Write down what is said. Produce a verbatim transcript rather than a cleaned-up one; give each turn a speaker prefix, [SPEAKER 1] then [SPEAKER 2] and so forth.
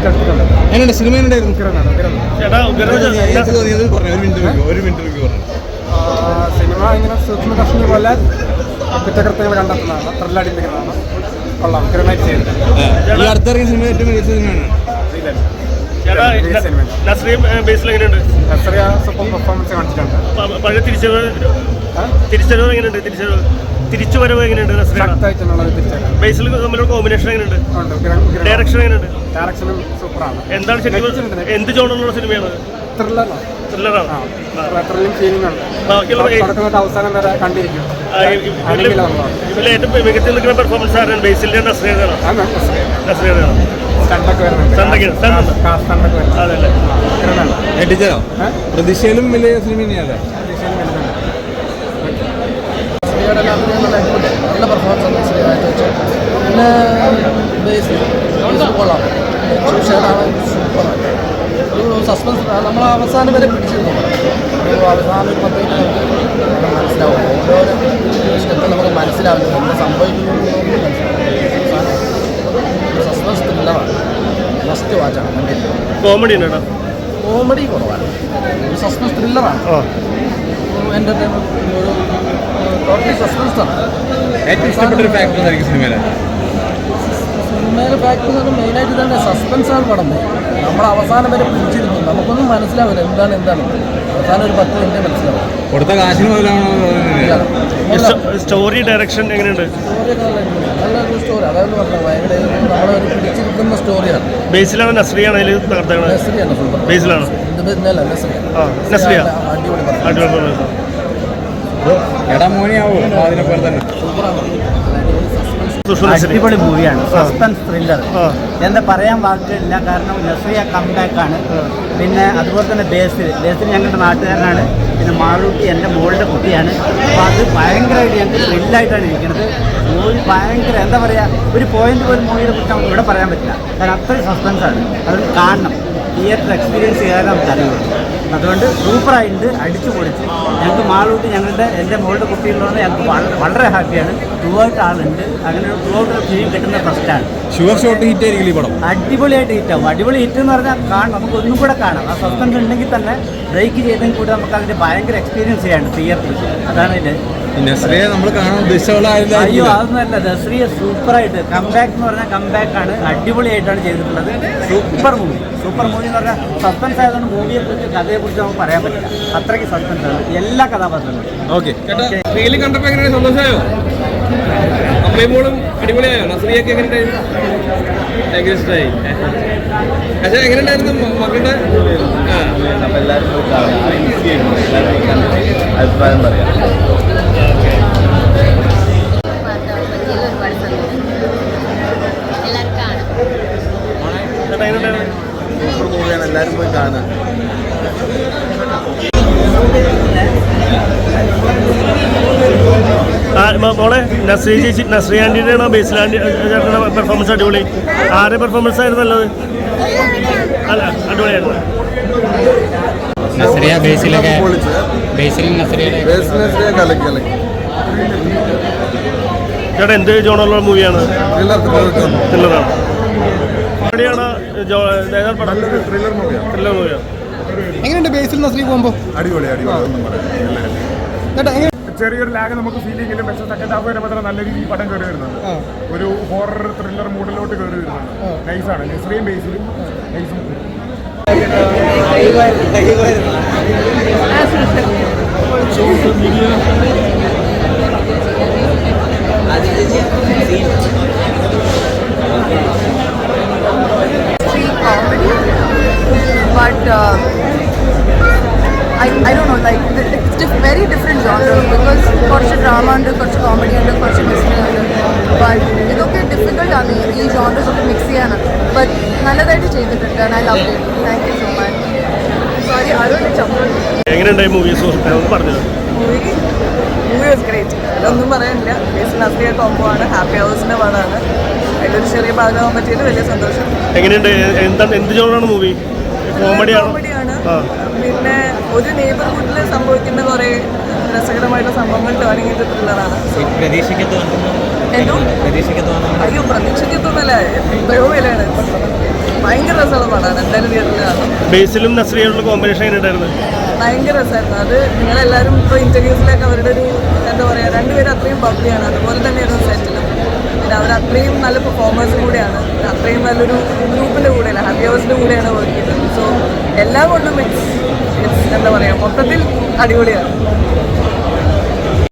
[SPEAKER 1] എങ്ങനെയുണ്ട് cinema?
[SPEAKER 2] Cinema ഇങ്ങനെ സൂക്ഷ്മ കർഷണി പോലെ കുറ്റകൃത്യങ്ങൾ കണ്ടെത്തുന്നതാണ്, ത്രില്ലടിപ്പിക്കുന്നതാണ്. കൊള്ളാം, ഉഗ്രനായിട്ട് ചെയ്തിട്ടുണ്ട്.
[SPEAKER 1] ഈ അടുത്തിറങ്ങിയ സിനിമ ഏറ്റവും മികച്ച സിനിമയാണ്.
[SPEAKER 2] സൂപ്പർ പെർഫോമൻസ് കാണിച്ചിട്ടുണ്ട്.
[SPEAKER 3] പഴയ തിരിച്ചറിവ് തിരിച്ചറിവ് എങ്ങനെയുണ്ട്? തിരിച്ചറിവ് തിരിച്ചു വരവ് എങ്ങനെയുണ്ട്? ബേസിൽ തമ്മിലുള്ള കോമ്പിനേഷൻ എങ്ങനെയുണ്ട്? ഡയറക്ഷൻ എങ്ങനെയുണ്ട്?
[SPEAKER 2] ഡയറക്ഷനും സൂപ്പറാണ്.
[SPEAKER 3] എന്താണ് ശരിക്കും എന്ത് ജോണുള്ള സിനിമയാണ്?
[SPEAKER 2] ത്രില്ലറാണ്.
[SPEAKER 3] ത്രില്ലറാണ്.
[SPEAKER 2] ത്രില്ലിംഗ് ഫീലിംഗ് ഉണ്ട്. തുടക്കം അവസാനം വരെ കണ്ടിരിക്കും.
[SPEAKER 3] ഇതിൽ ഏറ്റവും മികച്ച നിൽക്കുന്ന പെർഫോമൻസ് ആരാണ്? ബേസിലിന്റെ നസ്രിയയാണ്. നസ്രിയയാണ്.
[SPEAKER 1] പ്രതീക്ഷയിലും വലിയ സിനിമ തന്നെയല്ലേ?
[SPEAKER 4] നല്ല പെർഫോമൻസ് ഉണ്ട് സിനിമയായിട്ട് വെച്ച്. പിന്നെ ബേസ് കൊള്ളാം, ഷെയ്ഡാണ് സൂപ്പറായിട്ട്. ഒരു സസ്പെൻസ് നമ്മൾ അവസാനം വരെ പിടിച്ചിരുന്നു. ഒരു അവസാനം ഒരു പത്ത് മിനിറ്റ് നമുക്ക് മനസ്സിലാവും. ഓരോ സ്റ്റെപ്പ് നമുക്ക് മനസ്സിലാവില്ല എന്താ സംഭവിക്കുന്നു. സസ്പെൻസ് ത്രില്ലറാണ്, ഫസ്റ്റ് വാച്ചാണ്. കണ്ടില്ല
[SPEAKER 3] കോമഡി
[SPEAKER 4] കോമഡി കുറവാണ്, ഒരു സസ്പെൻസ് ത്രില്ലറാണ്. എൻ്റർടൈൻമെൻറ്റ് ഒരു ടോട്ടലി സസ്പെൻസ് ആണ്.
[SPEAKER 1] ഏറ്റവും ഇഷ്ടപ്പെട്ട ഒരു ഫാക്ടർ ആയിരിക്കും സിനിമയിലെ
[SPEAKER 4] സിനിമയിലെ ഫാക്ടർ എന്ന് പറഞ്ഞാൽ മെയിനായിട്ട് തന്നെ സസ്പെൻസാണ് പടം. നമ്മൾ അവസാനം വരെ പിടിച്ചിരുന്നു, നമുക്കൊന്നും മനസ്സിലാവില്ല എന്താണ് എന്താണ് അവസാനം ഒരു പത്ത് മിനിറ്റ് മനസ്സിലാവും.
[SPEAKER 1] കൊടുത്ത കാശിന് മുതലാണോ?
[SPEAKER 3] സ്റ്റോറി ഡയറക്ഷൻ എങ്ങനെയുണ്ട്?
[SPEAKER 4] സ്റ്റോറിയൊക്കെ നല്ലൊരു സ്റ്റോറി, അതായത് പറഞ്ഞത് ഭയങ്കര നമ്മളൊരു പിടിച്ചിരിക്കുന്ന സ്റ്റോറിയാണ്.
[SPEAKER 3] ബേസിലാണ് നസ്രിയാണ് അതിൽ തകർത്തത്?
[SPEAKER 4] നസ്രിയാണ് സൂപ്പർ.
[SPEAKER 3] ബേസിലാണ്
[SPEAKER 4] ഇന്നല്ല നസ്രിയ അടിപൊളി
[SPEAKER 3] അടിപൊളി.
[SPEAKER 1] എടാ മോനിയാവോ അതിനെപ്പോലെ തന്നെ
[SPEAKER 4] സൂപ്പറാണ്.
[SPEAKER 5] അടിപൊളി മൂവിയാണ്, സസ്പെൻസ് ത്രില്ലർ. എന്താ പറയാൻ വാക്കുകളില്ല, കാരണം നസ്രിയ കംബാക്കാണ്. പിന്നെ അതുപോലെ തന്നെ ബേസിൽ ബേസിൽ ഞങ്ങളുടെ നാട്ടുകാരനാണ്. പിന്നെ മാളൂട്ടി എൻ്റെ മോളുടെ കുട്ടിയാണ്. അപ്പോൾ അത് ഭയങ്കരമായിട്ട് ഞങ്ങൾക്ക് ത്രില്ലായിട്ടാണ് ഇരിക്കുന്നത്. മൂവി ഭയങ്കര എന്താ പറയുക, ഒരു പോയിന്റ് പോലും മൂവിയെ കുറിച്ച് നമുക്ക് ഇവിടെ പറയാൻ പറ്റില്ല, കാരണം അത്രയും സസ്പെൻസാണ്. അതുകൊണ്ട് കാണണം, തിയേറ്റർ എക്സ്പീരിയൻസ് ചെയ്യാൻ നമുക്ക് അറിയുള്ളൂ. അതുകൊണ്ട് സൂപ്പറായിട്ട് അടിച്ചു പൊളിച്ച് ഞങ്ങൾക്ക് മാളൂട്ടി ഞങ്ങളുടെ എൻ്റെ മോളുടെ കുട്ടികളുള്ളത് ഞങ്ങൾക്ക് വളരെ വളരെ ഹാപ്പിയാണ്. ടൂ ഔട്ട് ആളുണ്ട്, അങ്ങനെ ടൂ ഔട്ട് ഫീൽ കിട്ടുന്ന ഫസ്റ്റാണ്.
[SPEAKER 1] ഷുവർ ഷോട്ട് ഹിറ്റ് ആയിരിക്കും ഈ പടം.
[SPEAKER 5] അടിപൊളിയായിട്ട് ഹിറ്റാവും. അടിപൊളി ഹിറ്റ് എന്ന് പറഞ്ഞാൽ കാണാം, നമുക്ക് ഒന്നും കൂടെ കാണാം. ആ സസ്പെൻസ് ഉണ്ടെങ്കിൽ തന്നെ ബ്രേക്ക് ചെയ്തെങ്കിൽ കൂടെ നമുക്ക് അതിൻ്റെ ഭയങ്കര എക്സ്പീരിയൻസ് ചെയ്യാണ് തിയേറ്ററിൽ. അതാണ് ഇതിൻ്റെ
[SPEAKER 1] നസ്രിയെ നമ്മൾ കാണാൻ ഉദ്ദേശിച്ചുള്ള.
[SPEAKER 5] അയ്യോ അതൊന്നുമല്ല, നസ്രിയ സൂപ്പറായിട്ട് കംബാക്ക് എന്ന് പറഞ്ഞാൽ കംബാക്കാണ്, അടിപൊളിയായിട്ടാണ് ചെയ്തിട്ടുള്ളത്. സൂപ്പർ മൂവി സൂപ്പർ മൂവി എന്ന് പറഞ്ഞാൽ സസ്പെൻസ് ആയതുകൊണ്ട് മൂവിയെ കുറിച്ച് കഥയെ കുറിച്ച് നമുക്ക് പറയാൻ പറ്റില്ല, അത്രയ്ക്ക് സസ്പെൻസ് ആണ് എല്ലാ കഥാപാത്രങ്ങളും.
[SPEAKER 1] ഓക്കെ, റീല് കണ്ടപ്പോൾ എങ്ങനെ സന്തോഷമായോ? അമ്മയും അടിപൊളിയായോ? നസ്രിയൊക്കെ എങ്ങനെയുണ്ടായിരുന്നു? ഭയങ്കര ഇഷ്ടമായി. പക്ഷേ എങ്ങനെയുണ്ടായിരുന്നു മക്കളുടെ?
[SPEAKER 6] എല്ലാവരും അഭിപ്രായം പറയാം. സൂപ്പർ മൂവിയാണ്, എല്ലാവരും പോയി കാണാൻ.
[SPEAKER 3] മോളെ നസ്രിയ ചേച്ചി നസ്രിയ ആൻറ്റിയുടെയാണോ ബേസിലാൻറ്റി ചേട്ടൻ്റെ പെർഫോമൻസ് അടിപൊളി? ആരുടെ പെർഫോമൻസ് ആയിരുന്നു നല്ലത്? അല്ല അടിപൊളിയായിരുന്നു.
[SPEAKER 7] നസ്രിയ ബേസിലൊക്കെ ബേസിൽ നസ്രിയുടെ
[SPEAKER 3] ചേട്ടാ എന്ത് ജോണുള്ള മൂവിയാണ്? ത്രില്ലറാണ്. എവിടെയാണ് ത്രില്ലർ മൂവിയാണ്.
[SPEAKER 2] എങ്ങനെയുണ്ട് ബേസിൽ നസ്രി പോകുമ്പോൾ?
[SPEAKER 6] അടിപൊളി അടിപൊളി.
[SPEAKER 2] ചെറിയൊരു ലാഗ് നമുക്ക് ഫീൽ ചെയ്യെങ്കിലും പക്ഷേ സെക്കൻഡ് ഹാഫ് വരെ മാത്രം നല്ല രീതിയിൽ പടം കയറി വരുന്നുണ്ട്. ഒരു ഹൊറർ ത്രില്ലർ മൂഡിലോട്ട് കയറി വരുന്നുണ്ട്. നൈസാണ്, നസ്രിയും ബേസിലും നൈസും.
[SPEAKER 8] But uh, I, I don't know, like it's diff- very different genre because കുറച്ച് drama ഉണ്ട്, കുറച്ച് comedy ഉണ്ട്, കുറച്ച് mystery ഉണ്ട്. But ഇതൊക്കെ difficult ആണ് ഈ genres ഒക്കെ mix ചെയ്യാനാണ്. But നല്ലതായിട്ട് ചെയ്തിട്ടുണ്ട് and I loved it. Thank you so much. Sorry, ആരോട് ചമ്മൽ.
[SPEAKER 3] എങ്ങനെയുണ്ടായി മൂവി? പറഞ്ഞു.
[SPEAKER 9] Movie was great. അതൊന്നും പറയാനില്ല. ബേസിൽ നസ്രിയ കോംബോ ആണ്, ഹാപ്പി ഹൗസിന്റെ പടമാണ്. അതിലൊരു ചെറിയ ഭാഗമാകാൻ പറ്റിയത് വലിയ സന്തോഷം.
[SPEAKER 3] എങ്ങനെയുണ്ട്? എന്താണ് എന്ത് ജോണാണ് മൂവി? കോമഡിയാണ്.
[SPEAKER 9] പിന്നെ ഒരു നെയ്ബർഹുഡിൽ സംഭവിക്കുന്ന കുറെ രസകരമായിട്ടുള്ള സംഭവങ്ങൾ ടേണിംഗ് ചെയ്ത ത്രില്ലറാണ്. അയ്യോ പ്രതീക്ഷിക്കത്തൊന്നുമല്ല, എത്രയോ വിലയാണ്. ഭയങ്കര രസമുള്ള പടമാണ്, എന്തായാലും തിയേറ്ററിൽ കാണാം.
[SPEAKER 3] ബേസിലും നസ്രിയുള്ള കോമ്പിനേഷൻ എങ്ങനെ ഉണ്ടായിരുന്നു?
[SPEAKER 9] ഭയങ്കര രസമായിരുന്നു. അത് നിങ്ങളെല്ലാവരും ഇപ്പോൾ ഇൻ്റർവ്യൂസിലൊക്കെ അവരുടെ ഒരു എന്താ പറയുക, രണ്ടുപേരും അത്രയും ബബ്ലിയാണ്, അതുപോലെ തന്നെയായിരുന്നു സെറ്റിലും. പിന്നെ അവർ അത്രയും നല്ല പെർഫോമേഴ്സും കൂടെയാണ്, അത്രയും നല്ലൊരു ഗ്രൂപ്പിൻ്റെ കൂടെയല്ല, ഹാപ്പി ഹവേഴ്സിൻ്റെ കൂടെയാണ് വർക്ക് ചെയ്തത്. സോ എല്ലാം കൊണ്ടും ഇറ്റ്സ് ഇറ്റ്സ് എന്താ പറയുക, മൊത്തത്തിൽ അടിപൊളിയാണ്.